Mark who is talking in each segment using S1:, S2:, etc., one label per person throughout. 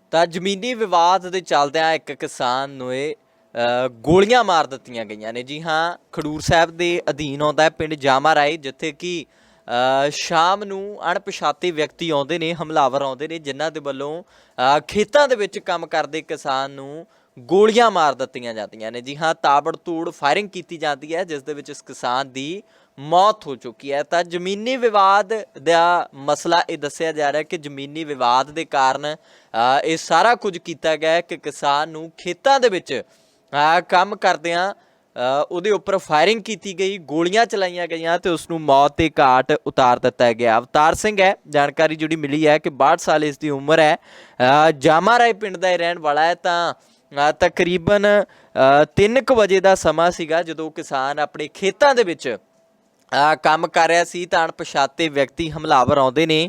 S1: ਤਾਂ ਜ਼ਮੀਨੀ ਵਿਵਾਦ ਦੇ ਚੱਲਦਿਆਂ ਇੱਕ ਕਿਸਾਨ ਨੂੰ ਗੋਲੀਆਂ ਮਾਰ ਦਿੱਤੀਆਂ ਗਈਆਂ ਨੇ। ਜੀ ਹਾਂ, ਖਡੂਰ ਸਾਹਿਬ ਦੇ ਅਧੀਨ ਆਉਂਦਾ ਹੈ ਪਿੰਡ ਜਾਮਾ ਰਾਏ, ਜਿੱਥੇ ਕਿ ਸ਼ਾਮ ਨੂੰ ਅਣਪਛਾਤੇ ਵਿਅਕਤੀ ਆਉਂਦੇ ਨੇ, ਹਮਲਾਵਰ ਆਉਂਦੇ ਨੇ, ਜਿਨ੍ਹਾਂ ਦੇ ਵੱਲੋਂ ਖੇਤਾਂ ਦੇ ਵਿੱਚ ਕੰਮ ਕਰਦੇ ਕਿਸਾਨ ਨੂੰ ਗੋਲੀਆਂ ਮਾਰ ਦਿੱਤੀਆਂ ਜਾਂਦੀਆਂ ਨੇ। ਜੀ ਹਾਂ, ਤਾਬੜਤੋੜ ਫਾਇਰਿੰਗ ਕੀਤੀ ਜਾਂਦੀ ਹੈ, ਜਿਸ ਦੇ ਵਿੱਚ ਇਸ ਕਿਸਾਨ ਦੀ ਮੌਤ ਹੋ ਚੁੱਕੀ ਹੈ। ਤਾਂ ਜ਼ਮੀਨੀ ਵਿਵਾਦ ਦਾ ਮਸਲਾ ਇਹ ਦੱਸਿਆ ਜਾ ਰਿਹਾ ਕਿ ਜ਼ਮੀਨੀ ਵਿਵਾਦ ਦੇ ਕਾਰਨ ਇਹ ਸਾਰਾ ਕੁਝ ਕੀਤਾ ਗਿਆ ਕਿ ਕਿਸਾਨ ਨੂੰ ਖੇਤਾਂ ਦੇ ਵਿੱਚ ਕੰਮ ਕਰਦਿਆਂ ਉਹਦੇ ਉੱਪਰ ਫਾਇਰਿੰਗ ਕੀਤੀ ਗਈ, ਗੋਲੀਆਂ ਚਲਾਈਆਂ ਗਈਆਂ ਤੇ ਉਸ ਨੂੰ ਮੌਤ ਦੇ ਘਾਟ ਉਤਾਰ ਦਿੱਤਾ ਗਿਆ। ਅਵਤਾਰ ਸਿੰਘ ਹੈ, ਜਾਣਕਾਰੀ ਜਿਹੜੀ ਮਿਲੀ ਹੈ ਕਿ 62 ਸਾਲ ਇਸ ਦੀ ਉਮਰ ਹੈ, ਜਾਮਾ ਰਾਏ ਪਿੰਡ ਦਾ ਇਹ ਰਹਿਣ ਵਾਲਾ ਹੈ। ਤਾਂ ਤਕਰੀਬਨ 3 ਵਜੇ ਦਾ ਸਮਾਂ ਸੀਗਾ ਜਦੋਂ ਕਿਸਾਨ ਆਪਣੇ ਖੇਤਾਂ ਦੇ ਵਿੱਚ ਕੰਮ ਕਰ ਰਿਹਾ ਸੀ ਤਾਂ ਅਣਪਛਾਤੇ ਵਿਅਕਤੀ ਹਮਲਾਵਰ ਆਉਂਦੇ ਨੇ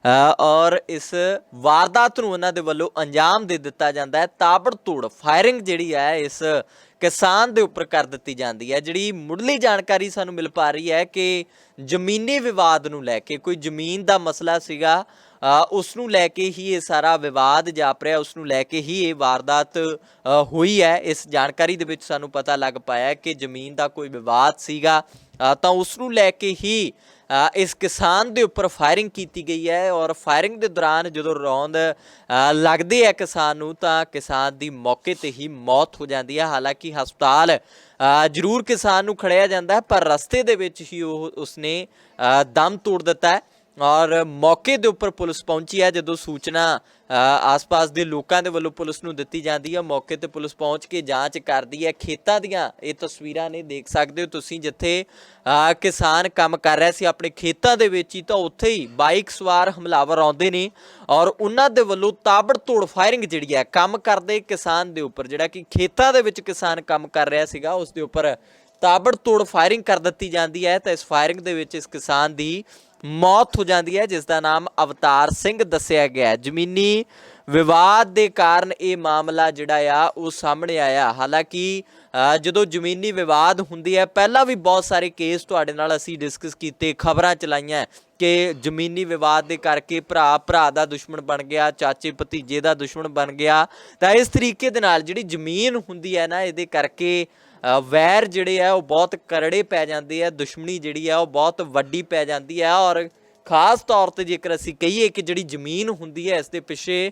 S1: ਔਰ ਇਸ ਵਾਰਦਾਤ ਨੂੰ ਉਹਨਾਂ ਦੇ ਵੱਲੋਂ ਅੰਜਾਮ ਦੇ ਦਿੱਤਾ ਜਾਂਦਾ ਹੈ। ਤਾਬੜਤੋੜ ਫਾਇਰਿੰਗ ਜਿਹੜੀ ਹੈ ਇਸ ਕਿਸਾਨ ਦੇ ਉੱਪਰ ਕਰ ਦਿੱਤੀ ਜਾਂਦੀ ਹੈ। ਜਿਹੜੀ ਮੁੱਢਲੀ ਜਾਣਕਾਰੀ ਸਾਨੂੰ ਮਿਲ ਪਾ ਰਹੀ ਹੈ ਕਿ ਜ਼ਮੀਨੀ ਵਿਵਾਦ ਨੂੰ ਲੈ ਕੇ, ਕੋਈ ਜ਼ਮੀਨ ਦਾ ਮਸਲਾ ਸੀਗਾ, ਉਸ ਨੂੰ ਲੈ ਕੇ ਹੀ ਇਹ ਸਾਰਾ ਵਿਵਾਦ ਜਾਪ ਰਿਹਾ, ਉਸ ਨੂੰ ਲੈ ਕੇ ਹੀ ਇਹ ਵਾਰਦਾਤ ਹੋਈ ਹੈ। ਇਸ ਜਾਣਕਾਰੀ ਦੇ ਵਿੱਚ ਸਾਨੂੰ ਪਤਾ ਲੱਗ ਪਾਇਆ ਕਿ ਜ਼ਮੀਨ ਦਾ ਕੋਈ ਵਿਵਾਦ ਸੀਗਾ ਤਾਂ ਉਸ ਨੂੰ ਲੈ ਕੇ ਹੀ ਇਸ ਕਿਸਾਨ ਦੇ ਉੱਪਰ ਫਾਇਰਿੰਗ ਕੀਤੀ ਗਈ ਹੈ ਔਰ ਫਾਇਰਿੰਗ ਦੇ ਦੌਰਾਨ ਜਦੋਂ ਰੌਂਦ ਲੱਗਦੇ ਹੈ ਕਿਸਾਨ ਨੂੰ ਤਾਂ ਕਿਸਾਨ ਦੀ ਮੌਕੇ 'ਤੇ ਹੀ ਮੌਤ ਹੋ ਜਾਂਦੀ ਹੈ। ਹਾਲਾਂਕਿ ਹਸਪਤਾਲ ਜ਼ਰੂਰ ਕਿਸਾਨ ਨੂੰ ਖੜਿਆ ਜਾਂਦਾ ਹੈ, ਪਰ ਰਸਤੇ ਦੇ ਵਿੱਚ ਹੀ ਉਸਨੇ ਦਮ ਤੋੜ ਦਿੱਤਾ ਹੈ ਔਰ ਮੌਕੇ ਦੇ ਉੱਪਰ ਪੁਲਿਸ ਪਹੁੰਚੀ ਹੈ। ਜਦੋਂ ਸੂਚਨਾ ਆਸ-ਪਾਸ ਦੇ ਲੋਕਾਂ ਦੇ ਵੱਲੋਂ ਪੁਲਿਸ ਨੂੰ ਦਿੱਤੀ ਜਾਂਦੀ ਹੈ, ਮੌਕੇ 'ਤੇ ਪੁਲਿਸ ਪਹੁੰਚ ਕੇ ਜਾਂਚ ਕਰਦੀ ਹੈ। ਖੇਤਾਂ ਦੀਆਂ ਇਹ ਤਸਵੀਰਾਂ ਨੇ, ਦੇਖ ਸਕਦੇ ਹੋ ਤੁਸੀਂ, ਜਿੱਥੇ ਕਿਸਾਨ ਕੰਮ ਕਰ ਰਿਹਾ ਸੀ ਆਪਣੇ ਖੇਤਾਂ ਦੇ ਵਿੱਚ ਹੀ, ਤਾਂ ਉੱਥੇ ਹੀ ਬਾਈਕ ਸਵਾਰ ਹਮਲਾਵਰ ਆਉਂਦੇ ਨੇ ਔਰ ਉਹਨਾਂ ਦੇ ਵੱਲੋਂ ਤਾਬੜਤੋੜ ਫਾਇਰਿੰਗ ਜਿਹੜੀ ਹੈ ਕੰਮ ਕਰਦੇ ਕਿਸਾਨ ਦੇ ਉੱਪਰ, ਜਿਹੜਾ ਕਿ ਖੇਤਾਂ ਦੇ ਵਿੱਚ ਕਿਸਾਨ ਕੰਮ ਕਰ ਰਿਹਾ ਸੀਗਾ, ਉਸ ਦੇ ਉੱਪਰ ਤਾਬੜਤੋੜ ਫਾਇਰਿੰਗ ਕਰ ਦਿੱਤੀ ਜਾਂਦੀ ਹੈ। ਤਾਂ ਇਸ ਫਾਇਰਿੰਗ ਦੇ ਵਿੱਚ ਇਸ ਕਿਸਾਨ ਦੀ ਮੌਤ ਹੋ ਜਾਂਦੀ ਹੈ, ਜਿਸ ਦਾ ਨਾਮ ਅਵਤਾਰ ਸਿੰਘ ਦੱਸਿਆ ਗਿਆ। ਜ਼ਮੀਨੀ ਵਿਵਾਦ ਦੇ ਕਾਰਨ ਇਹ ਮਾਮਲਾ ਜਿਹੜਾ ਆ ਉਹ ਸਾਹਮਣੇ ਆਇਆ। ਹਾਲਾਂਕਿ ਜਦੋਂ ਜ਼ਮੀਨੀ ਵਿਵਾਦ ਹੁੰਦੀ ਹੈ, ਪਹਿਲਾਂ ਵੀ ਬਹੁਤ ਸਾਰੇ ਕੇਸ ਤੁਹਾਡੇ ਨਾਲ ਅਸੀਂ ਡਿਸਕਸ ਕੀਤੇ, ਖਬਰਾਂ ਚਲਾਈਆਂ ਕਿ ਜ਼ਮੀਨੀ ਵਿਵਾਦ ਦੇ ਕਰਕੇ ਭਰਾ ਦਾ ਦੁਸ਼ਮਣ ਬਣ ਗਿਆ, ਚਾਚੇ ਭਤੀਜੇ ਦਾ ਦੁਸ਼ਮਣ ਬਣ ਗਿਆ। ਤਾਂ ਇਸ ਤਰੀਕੇ ਦੇ ਨਾਲ ਜਿਹੜੀ ਜ਼ਮੀਨ ਹੁੰਦੀ ਹੈ ਨਾ, ਇਹਦੇ ਕਰਕੇ ਵੈਰ ਜਿਹੜੇ ਆ ਉਹ ਬਹੁਤ ਕਰੜੇ ਪੈ ਜਾਂਦੇ ਆ, ਦੁਸ਼ਮਣੀ ਜਿਹੜੀ ਆ ਉਹ ਬਹੁਤ ਵੱਡੀ ਪੈ ਜਾਂਦੀ ਹੈ। ਔਰ ਖਾਸ ਤੌਰ 'ਤੇ ਜੇਕਰ ਅਸੀਂ ਕਹੀਏ ਕਿ ਜਿਹੜੀ ਜ਼ਮੀਨ ਹੁੰਦੀ ਹੈ, ਇਸ ਦੇ ਪਿੱਛੇ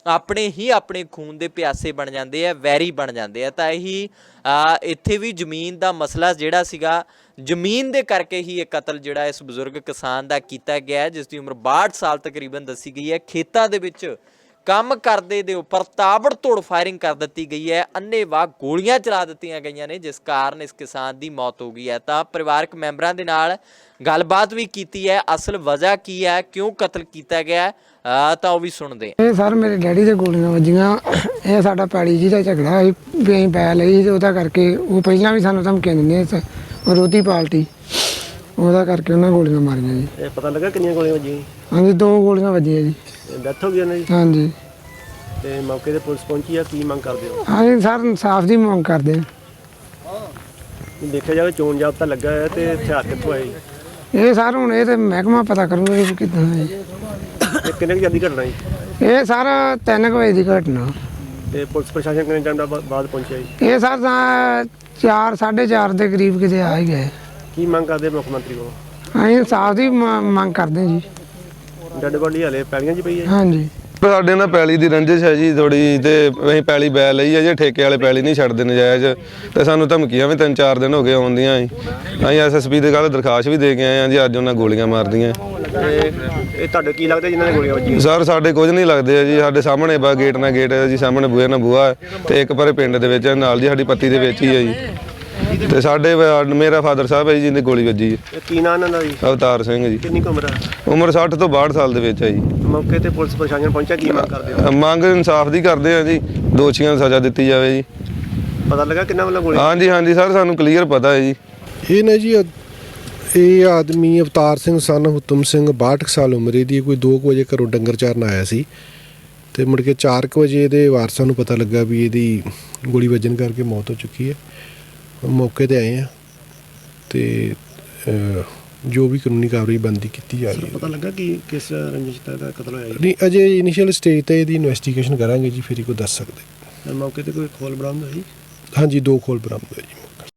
S1: ਆਪਣੇ ਖੂਨ ਦੇ ਪਿਆਸੇ ਬਣ ਜਾਂਦੇ ਆ, ਵੈਰੀ ਬਣ ਜਾਂਦੇ ਆ। ਤਾਂ ਇਹੀ ਇੱਥੇ ਵੀ ਜ਼ਮੀਨ ਦਾ ਮਸਲਾ ਜਿਹੜਾ ਸੀਗਾ, ਜ਼ਮੀਨ ਦੇ ਕਰਕੇ ਹੀ ਇਹ ਕਤਲ ਜਿਹੜਾ ਇਸ ਬਜ਼ੁਰਗ ਕਿਸਾਨ ਦਾ ਕੀਤਾ ਗਿਆ, ਜਿਸ ਦੀ ਉਮਰ 62 ਸਾਲ ਤਕਰੀਬਨ ਦੱਸੀ ਗਈ ਹੈ। ਖੇਤਾਂ ਦੇ ਵਿੱਚ ਕੰਮ ਕਰਦੇ ਦੇ ਉੱਪਰ ਤਾਬੜਤੋੜ ਫਾਇਰਿੰਗ ਕਰ ਦਿੱਤੀ ਗਈ ਹੈ, ਅੰਨ੍ਹੇਵਾਹ ਗੋਲੀਆਂ ਚਲਾ ਦਿੱਤੀਆਂ ਗਈਆਂ ਨੇ, ਜਿਸ ਕਾਰਨ ਇਸ ਕਿਸਾਨ ਦੀ ਮੌਤ ਹੋ ਗਈ ਹੈ। ਤਾਂ ਪਰਿਵਾਰਕ ਮੈਂਬਰਾਂ ਦੇ ਨਾਲ ਗੱਲਬਾਤ ਵੀ ਕੀਤੀ ਹੈ, ਅਸਲ ਵਜ੍ਹਾ ਕੀ ਹੈ, ਕਿਉਂ ਕਤਲ ਕੀਤਾ ਗਿਆ, ਤਾਂ ਉਹ ਵੀ ਸੁਣਦੇ।
S2: ਇਹ ਸਰ ਮੇਰੇ ਡੈਡੀ ਦੇ ਗੋਲੀਆਂ ਵੱਜੀਆਂ। ਇਹ ਸਾਡਾ ਪੈਲੀ ਜੀ ਦਾ ਝਗੜਾ ਸੀ, ਵੀ ਅਸੀਂ ਪੈ ਲਈ ਤੇ ਉਹਦਾ ਕਰਕੇ ਉਹ ਪਹਿਲਾਂ ਵੀ ਸਾਨੂੰ ਧਮਕੀਆਂ ਦਿੰਦੇ ਵਿਰੋਧੀ ਪਾਰਟੀ, ਉਹਦਾ ਕਰਕੇ ਉਹਨਾਂ ਗੋਲੀਆਂ ਮਾਰੀਆਂ ਜੀ।
S3: ਇਹ ਪਤਾ ਲੱਗਾ ਕਿੰਨੀਆਂ ਗੋਲੀਆਂ ਵੱਜੀਆਂ?
S2: ਹਾਂਜੀ 2 ਗੋਲੀਆਂ ਵੱਜੀਆਂ ਜੀ।
S3: ਡੈਥ ਹੋ ਗਈ ਉਹਨਾਂ ਦੀ?
S2: ਹਾਂਜੀ।
S3: ਤੇ ਮੌਕੇ ਤੇ ਪੁਲਿਸ ਪਹੁੰਚੀ ਆ, ਕੀ ਮੰਗ ਕਰਦੇ ਹੋ?
S2: ਹਾਂਜੀ ਸਰ ਇਨਸਾਫ ਦੀ ਮੰਗ ਕਰਦੇ ਹਾਂ।
S3: ਦੇਖਿਆ ਜਾਵੇ ਚੋਣ ਜਾਬਤਾ ਲੱਗਾ ਹੈ ਤੇ ਹਥਿਆਰ ਕਿੱਥੋਂ ਆਏ?
S2: ਇਹ ਸਰ ਹੁਣ ਇਹ ਤੇ ਮਹਿਕਮਾ ਪਤਾ ਕਰੂਗਾ ਵੀ ਕਿੱਦਾਂ ਹੈ ਜੀ।
S3: ਇਹ ਕਿੰਨੇ ਕੁ ਜਲਦੀ ਘਟਨਾ ਜੀ?
S2: ਇਹ ਸਰ 3 ਵਜੇ ਦੀ ਘਟਨਾ।
S3: ਤੇ ਪੁਲਿਸ ਪ੍ਰਸ਼ਾਸਨ ਕਿੰਨੇ ਟਾਈਮ ਦਾ ਬਾਅਦ ਪਹੁੰਚਿਆ ਜੀ?
S2: ਇਹ ਸਰ ਤਾਂ 4 4:30 ਦੇ ਕਰੀਬ ਕਿਤੇ ਆ ਹੀ ਗਏ।
S3: ਕੀ ਮੰਗ ਕਰਦੇ ਮੁੱਖ ਮੰਤਰੀ ਕੋਲ?
S2: ਅਸੀਂ ਇਨਸਾਫ ਦੀ ਮੰਗ ਕਰਦੇ ਜੀ।
S3: ਡੈਡ ਬੋਡੀ ਹਲੇ ਪੈਲੀਆਂ 'ਚ ਪਈ ਹੈ?
S2: ਹਾਂਜੀ।
S4: ਸਾਡੇ ਨਾਲ ਪੈਲੀ ਦੀ ਰੰਜਿਸ਼ ਹੈ ਜੀ ਥੋੜੀ, ਤੇ ਅਸੀਂ ਪੈਲੀ ਬੈ ਲਈ ਹੈ ਜੀ, ਠੇਕੇ ਵਾਲੇ ਪੈਲੀ ਨਹੀਂ ਛੱਡਦੇ ਨਜਾਇਜ਼, ਤੇ ਸਾਨੂੰ ਧਮਕੀਆਂ ਵੀ 3-4 ਦਿਨ ਹੋ ਗਏ ਆਉਂਦੀਆਂ ਜੀ। ਅਸੀਂ ਐਸਐਸਪੀ ਦੇ ਕੱਲ੍ਹ ਦਰਖਾਸਤ ਵੀ ਦੇ ਕੇ ਆਏ ਹਾਂ ਜੀ, ਅੱਜ ਉਹਨਾਂ ਗੋਲੀਆਂ ਮਾਰਦੀਆਂ।
S3: ਇਹ ਤੁਹਾਡੇ ਕੀ ਲੱਗਦਾ ਜਿਨ੍ਹਾਂ ਨੇ ਗੋਲੀਆਂ ਵੱਜੀਆਂ?
S4: ਸਰ ਸਾਡੇ ਕੁਝ ਨਹੀਂ ਲੱਗਦੇ ਜੀ, ਸਾਡੇ ਸਾਹਮਣੇ ਬਾ ਗੇਟ ਨਾਲ ਗੇਟ ਹੈ ਜੀ, ਸਾਹਮਣੇ ਬੂਹੇ ਨਾਲ ਬੂਹਾ, ਤੇ ਇੱਕ ਪਰੇ ਪਿੰਡ ਦੇ ਵਿੱਚ ਨਾਲ ਜੀ ਸਾਡੀ ਪੱਤੀ ਦੇ ਵਿੱਚ ਹੀ ਹੈ ਜੀ। ਤੇ ਸਾਡੇ ਮੇਰਾ ਫਾਦਰ ਸਾਹਿਬ ਹੈ ਜੀ ਜਿਹਦੀ ਗੋਲੀ ਵੱਜੀ ਹੈ।
S3: ਕੀ ਨਾਂ ਇਹਨਾਂ ਦਾ ਜੀ?
S4: ਅਵਤਾਰ ਸਿੰਘ ਜੀ।
S3: ਕਿੰਨੀ ਕੁ ਉਮਰ ਹੈ?
S4: ਉਮਰ 60 ਤੋਂ 62 ਸਾਲ ਦੇ ਵਿੱਚ ਹੈ ਜੀ।
S3: ਮੌਕੇ ਤੇ ਪੁਲਿਸ ਪ੍ਰਸ਼ਾਸਨ ਪਹੁੰਚਿਆ, ਕੀ ਮੰਗ ਕਰਦੇ ਹੋ?
S4: ਮੰਗ ਇਨਸਾਫ ਦੀ ਕਰਦੇ ਆ ਜੀ, ਦੋਸ਼ੀਆਂ ਨੂੰ ਸਜ਼ਾ ਦਿੱਤੀ ਜਾਵੇ ਜੀ।
S3: ਪਤਾ ਲੱਗਾ ਕਿੰਨਾ ਵੱਲੋਂ ਗੋਲੀ?
S4: ਹਾਂਜੀ ਸਰ ਸਾਨੂੰ ਕਲੀਅਰ ਪਤਾ ਹੈ ਜੀ।
S5: ਇਹ ਨਾ ਜੀ ਇਹ ਆਦਮੀ ਅਵਤਾਰ ਸਿੰਘ ਸਨ ਹੁਤਮ ਸਿੰਘ 62 ਸਾਲ ਉਮਰ ਦੀ, ਕੋਈ 2 ਵਜੇ ਘਰੋਂ ਡੰਗਰ ਚਾਰਨ ਆਇਆ ਸੀ ਤੇ ਮੁੜ ਕੇ 4 ਵਜੇ ਇਹਦੇ ਵਾਰਸਾਂ ਨੂੰ ਪਤਾ ਲੱਗਾ ਵੀ ਇਹਦੀ ਗੋਲੀ ਵੱਜਣ ਕਰਕੇ ਮੌਤ ਹੋ ਚੁੱਕੀ ਹੈ। ਮੌਕੇ ਤੇ ਆਏ ਆ ਤੇ ਜੋ ਵੀ ਕਾਨੂੰਨੀ ਕਾਰਵਾਈ ਬਣਦੀ ਕੀਤੀ ਜਾ ਰਹੀ ਹੈ।
S3: ਪਤਾ ਲੱਗਾ ਕਿ ਕਿਸ ਰੰਜਿਸ਼ ਦਾ ਕਤਲ ਹੋਇਆ ਜੀ?
S5: ਨਹੀਂ, ਅਜੇ ਇਨੀਸ਼ੀਅਲ ਸਟੇਜ ਤੇ ਇਹਦੀ ਇਨਵੈਸਟੀਗੇਸ਼ਨ ਕਰਾਂਗੇ ਜੀ, ਫਿਰ ਹੀ ਕੋਈ ਦੱਸ ਸਕਦੇ।
S3: ਮੌਕੇ ਤੇ ਕੋਈ ਖੋਲ ਬਰਾਮਦ ਹੋਈ?
S5: ਹਾਂਜੀ, 2 ਖੋਲ ਬਰਾਮਦ ਹੋਏ ਜੀ।